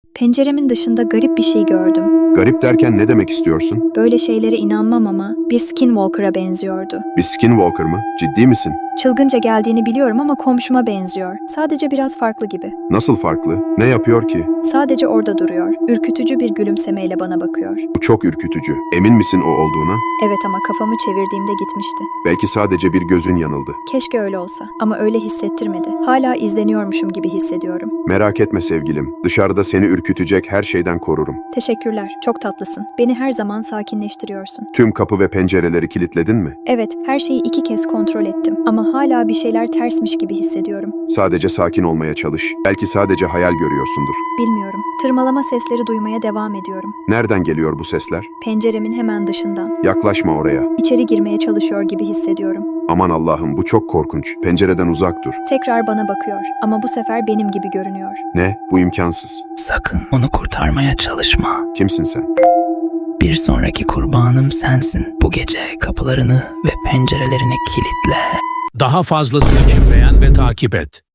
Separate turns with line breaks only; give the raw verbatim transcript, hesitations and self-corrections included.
Penceremin dışında garip bir şey gördüm.
Garip derken ne demek istiyorsun?
Böyle şeylere inanmam ama bir skinwalker'a benziyordu.
Bir skinwalker mı? Ciddi misin?
Çılgınca geldiğini biliyorum ama komşuma benziyor. Sadece biraz farklı gibi.
Nasıl farklı? Ne yapıyor ki?
Sadece orada duruyor. Ürkütücü bir gülümsemeyle bana bakıyor.
Bu çok ürkütücü. Emin misin o olduğuna?
Evet ama kafamı çevirdiğimde gitmişti.
Belki sadece bir gözün yanıldı.
Keşke öyle olsa ama öyle hissettirmedi. Hala izleniyormuşum gibi hissediyorum.
Merak etme sevgilim. Dışarıda seni ürkütecek her şeyden korurum.
Teşekkürler. Çok tatlısın. Beni her zaman sakinleştiriyorsun.
Tüm kapı ve pencereleri kilitledin mi?
Evet, her şeyi iki kez kontrol ettim ama hala bir şeyler tersmiş gibi hissediyorum.
Sadece sakin olmaya çalış. Belki sadece hayal görüyorsundur.
Bilmiyorum. Tırmalama sesleri duymaya devam ediyorum.
Nereden geliyor bu sesler?
Penceremin hemen dışından.
Yaklaşma oraya.
İçeri girmeye çalışıyor gibi hissediyorum.
Aman Allah'ım, bu çok korkunç. Pencereden uzak dur.
Tekrar bana bakıyor ama bu sefer benim gibi görünüyor.
Ne? Bu imkansız.
Sakın onu kurtarmaya çalışma.
Kimsin sen?
Bir sonraki kurbanım sensin. Bu gece kapılarını ve pencerelerini kilitle.
Daha fazlası için beğen ve takip et.